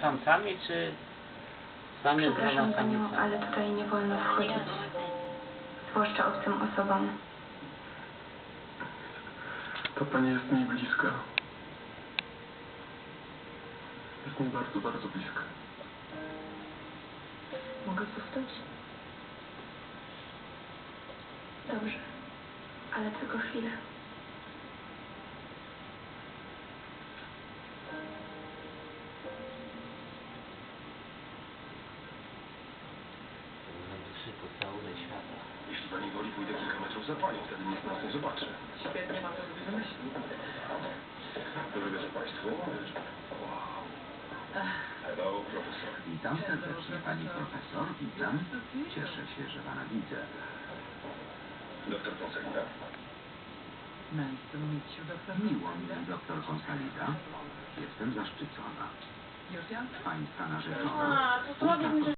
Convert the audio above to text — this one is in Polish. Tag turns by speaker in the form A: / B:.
A: samcami, czy sami z
B: Przepraszam
A: dwoma
B: panią,
A: samicami?
B: ale tutaj nie wolno wchodzić. Zwłaszcza obcym osobom.
C: Ta pani jest mi bliska. Jest mi bardzo, bardzo bliska.
B: Mogę zostać? Dobrze. Ale tylko chwilę.
A: Najwyższy pocałunek świata.
C: Jeśli pani woli, pójdę kilka metrów za panią, wtedy nikt nas nie zobaczy.
D: Świetnie, mam to sobie wymyślił.
C: Dobrego wieczoru państwu. Hello, profesor.
E: Witam serdecznie pani profesor, witam. Cieszę się, że pana widzę.
C: Doktor Fonsalida.
D: Nice to meet you, Dr.
E: Miło mi, doktor Consalida. Jestem zaszczycona.
D: Już ja?
E: Pańska narzeczona.
F: To słabo mi